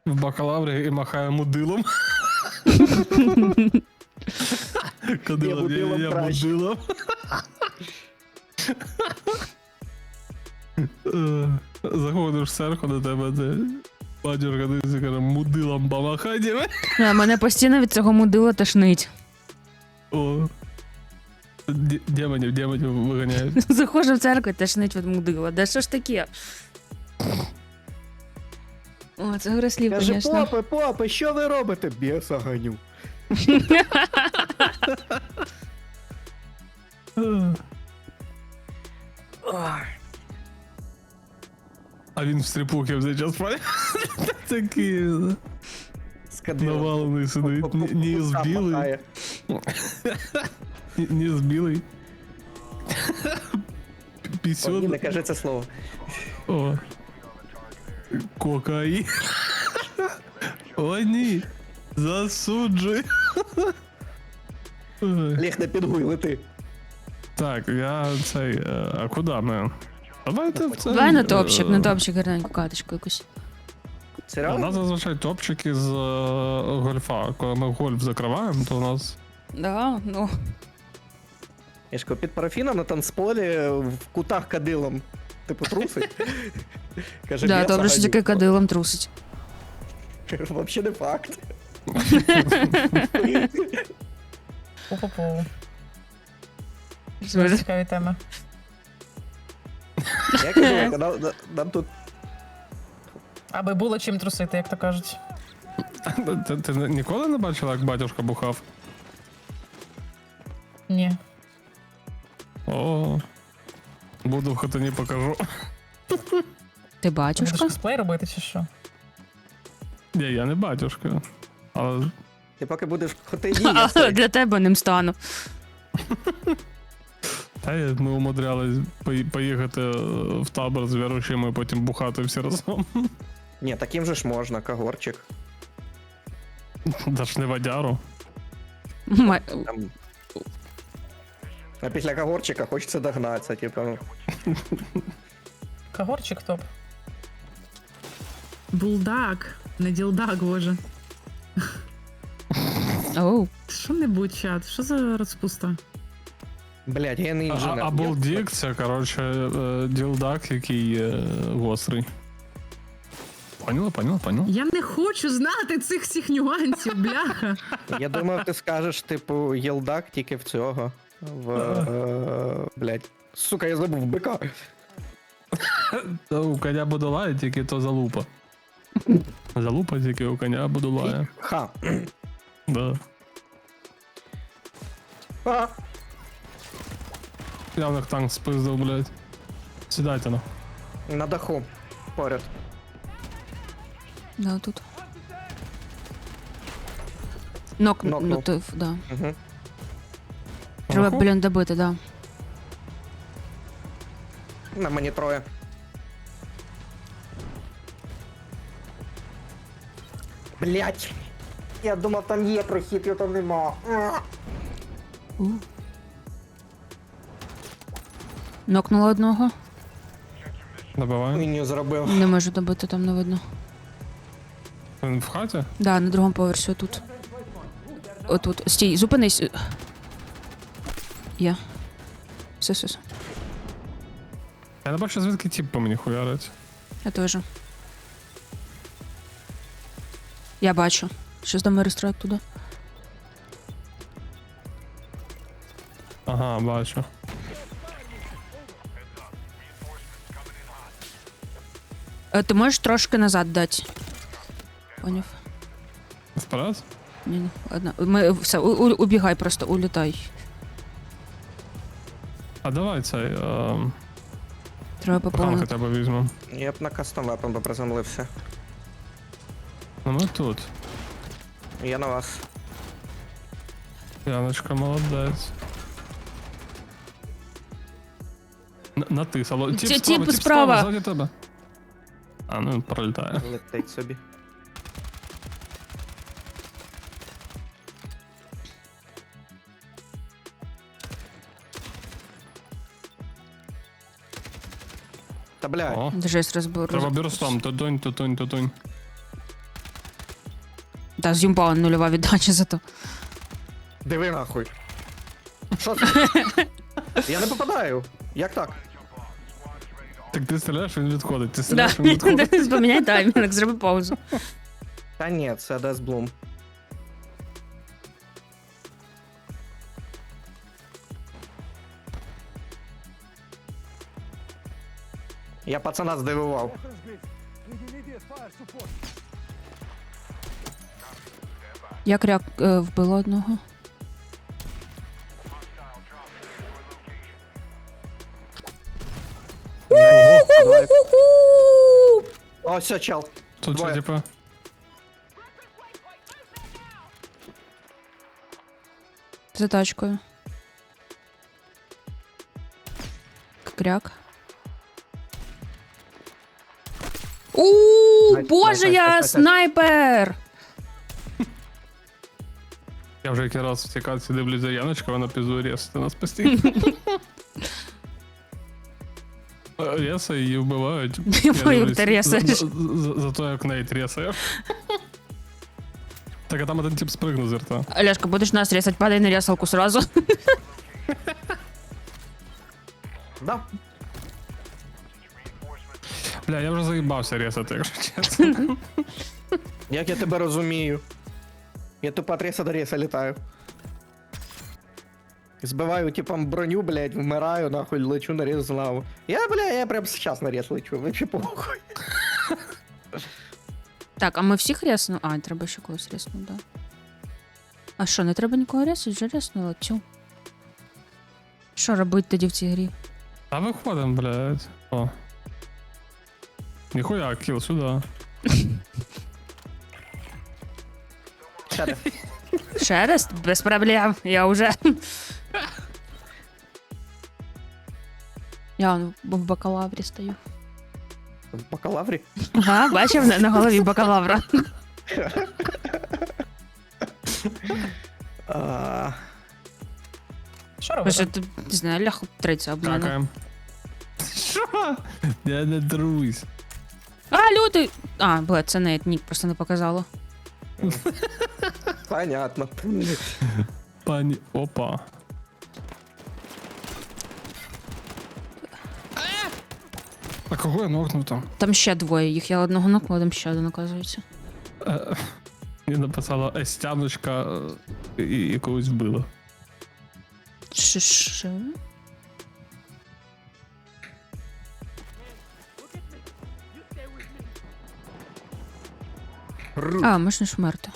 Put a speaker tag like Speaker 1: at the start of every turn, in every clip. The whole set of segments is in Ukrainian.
Speaker 1: в бакалаврі і махає мудилом. Кадилом,
Speaker 2: мудилом
Speaker 1: я
Speaker 2: краще.
Speaker 1: мудилом. Заходиш в церкву до тебе, де батюшка дивиться, каже, мудилом помахай тебе.
Speaker 3: Мене постійно від цього мудила тошнить.
Speaker 1: О. Демонів виганяють.
Speaker 3: Заходжу в церкву, тошнить від мудила. Да що ж таке? О, це гра слів,
Speaker 2: Каже,
Speaker 3: звісно.
Speaker 2: попи, що ви робите? Біса ганю.
Speaker 1: А він в стріпухи все час спає. Такий
Speaker 2: Скадило.
Speaker 1: навалений сидить. Ніс білий. Ніс білий.
Speaker 2: Ні,
Speaker 1: Пісюн.
Speaker 2: не кажи це слово.
Speaker 1: О. Кокаїн. О, ні. Засуджуй. Ой.
Speaker 2: Ліг не підгуй, лети.
Speaker 1: Так, я цей. А куди ми? Давайте в цей.
Speaker 3: Давай на топчик, гарненьку каточку якусь.
Speaker 1: У
Speaker 2: Серйозно?
Speaker 1: нас зазвичай топчики з гольфа. Коли ми гольф закриваємо, то у нас.
Speaker 3: Да, ну.
Speaker 2: Я ж кажу, під парафіном на танцполі в кутах кадилом. Типу трусить. Каже,
Speaker 3: Да,
Speaker 2: «Біса
Speaker 3: добре, що
Speaker 2: ганю».
Speaker 3: таке кадилом трусить.
Speaker 2: Вообще не факт.
Speaker 4: Пу-пу-пу. Дуже цікаві теми.
Speaker 2: Я кажу, нам тут
Speaker 4: Аби було чим трусити, як то кажуть.
Speaker 1: Ти ніколи не бачила, як батюшка бухав?
Speaker 4: Ні.
Speaker 1: О. Буду в хатині покажу.
Speaker 3: Ти
Speaker 4: Ти будеш
Speaker 3: батюшка?
Speaker 4: косплей робити чи що?
Speaker 1: Ні, я не батюшка. Але
Speaker 2: ти поки будеш в хотині, я цей.
Speaker 3: Для тебе ним стану.
Speaker 1: ми умудрялись поїхати в табор з віруючими і потім бухати всі разом.
Speaker 2: Ні, таким же ж можна, кагорчик.
Speaker 1: Даш не водяру.
Speaker 2: Там... А після кагорчика хочеться догнатися, типу. ну.
Speaker 4: Кагорчик топ.
Speaker 5: Булдак, не ділдак, боже.
Speaker 3: Оу.
Speaker 5: Що-небудь, чат, що за розпуста?
Speaker 2: Блядь, я не інженер.
Speaker 1: А Булдік це, коротше, ділдак, який гострий. Поняла?
Speaker 5: Я не хочу знати цих всіх нюансів, бляха.
Speaker 2: Я думав, ти скажеш, типу, єлдак тільки в цього. Блядь. Сука, я забув бика.
Speaker 1: Та у коня Будулая тільки то залупа. Залупа тільки у коня Будулая.
Speaker 2: Ха.
Speaker 1: Да.
Speaker 2: А,
Speaker 1: Я в них танк спиздив, блядь. Сідайте на.
Speaker 2: на даху. Поряд.
Speaker 3: Да, тут.
Speaker 2: Нокнув.
Speaker 3: Ну, да.
Speaker 2: Угу.
Speaker 3: Треба,
Speaker 1: Ага.
Speaker 3: блін, добити, да.
Speaker 2: На мені троє. Блять. Я думав, там є прохід, його там нема.
Speaker 3: Нокнула одного.
Speaker 1: Добивай.
Speaker 2: Він не зробив.
Speaker 3: Не можу добити, там не видно.
Speaker 1: Він в хаті?
Speaker 3: Да, на другому поверсі отут. Отут. Стій, зупинись. Є. Все.
Speaker 1: Я не бачу, звідки тіп по мені хуярить.
Speaker 3: Я теж. Я бачу. Щось до мене страйк туди.
Speaker 1: Ага, бачу.
Speaker 3: Ти можеш трошки назад дати. Поняв?
Speaker 1: Вперед?
Speaker 3: Ні, ладно. Все, убігай просто, улітай.
Speaker 1: А давай цей.
Speaker 3: Треба
Speaker 1: Пахалки
Speaker 3: поповнити.
Speaker 1: тебе візьмемо.
Speaker 2: Я б на кастом вепон би приземлився.
Speaker 1: Ну ми тут.
Speaker 2: Я на вас.
Speaker 1: Яночка, молодець. Натисало.
Speaker 3: Тіп справа.
Speaker 1: Ззаді тебе. А, ну він пролітає.
Speaker 2: Летить собі. Та блядь.
Speaker 1: О,
Speaker 3: Жесть розбору.
Speaker 1: треба бірстом. Тутунь.
Speaker 3: Та з'юмпала нульова віддача зато.
Speaker 2: Диви нахуй. Що це? Я не попадаю. Як так?
Speaker 1: Так ти стріляєш, він відходить. Ти
Speaker 3: Да.
Speaker 1: стріляєш, він відходить.
Speaker 3: Поміняй таймінг, зроби паузу.
Speaker 2: Та ні, це Дес Блум. Я пацана здивував.
Speaker 3: Я кряк вбила одного.
Speaker 2: Давай. О, все, чел.
Speaker 1: Тут що,
Speaker 2: Двоє.
Speaker 1: типа?
Speaker 3: За тачкою. Кряк.
Speaker 2: Найс,
Speaker 3: Боже,
Speaker 2: найс,
Speaker 3: я
Speaker 2: найс, найс.
Speaker 3: снайпер!
Speaker 1: Я вже який раз в цій катці дивлюсь за Яночка, вона пізує ресити нас постійно. Реса її вбивають. Я
Speaker 3: Мою
Speaker 1: дивлюсь
Speaker 3: ти ресаєш.
Speaker 1: За то, як Нейт ресає. Так, а там один тип спригнув з рта.
Speaker 3: Олежка, будеш нас ресать, падай на ресалку сразу.
Speaker 2: Да.
Speaker 1: Бля, я вже заїбався ресати, якщо чесно.
Speaker 2: Як я тебе розумію. Я тупо от реса до реса літаю. Збиваю типом броню, блядь, вмираю, нахуй, лечу на рез знову. Я прям сейчас на рез лечу, вообще похуй.
Speaker 3: Так, а ми всіх реснули? А, треба ще когось реснути, да. А що, не треба нікого ресати? Вже реснула, тю. Що робити тоді в цій грі?
Speaker 1: А виходим, блядь. О. Ніхуя, кіл сюди.
Speaker 2: Щаде.
Speaker 3: Шерест? Без проблем, я уже. Я вон в бакалаврі стою.
Speaker 2: В бакалаврі?
Speaker 3: Ага, бачив на голові бакалавра.
Speaker 2: А,
Speaker 4: Що робити?
Speaker 3: Боже, тут, не знаю, ляху триця об мене.
Speaker 1: Какаем. Що? Я не друзь.
Speaker 3: А, люди! А, блядь, це не нік, просто не показало.
Speaker 2: понятно.
Speaker 1: Пані. Опа. А кого я нокнув там?
Speaker 3: Там ще двоє їх, я одного нокнула, там ще один, оказується.
Speaker 1: Мені написала Естяночка і когось вбила.
Speaker 3: Що? А, можна ж вмерти.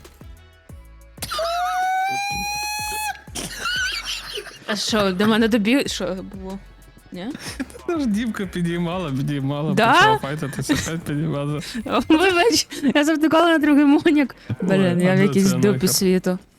Speaker 3: А що, до мене добіг? Що було? Ні?
Speaker 1: Та ж Дімка підіймала,
Speaker 3: Да?
Speaker 1: почала файтитися, опять підіймала.
Speaker 3: Вибач, я завтикала на другий монік. Блін, я в
Speaker 1: А де
Speaker 3: якійсь
Speaker 1: це
Speaker 3: дупі
Speaker 1: нахер?
Speaker 3: світу.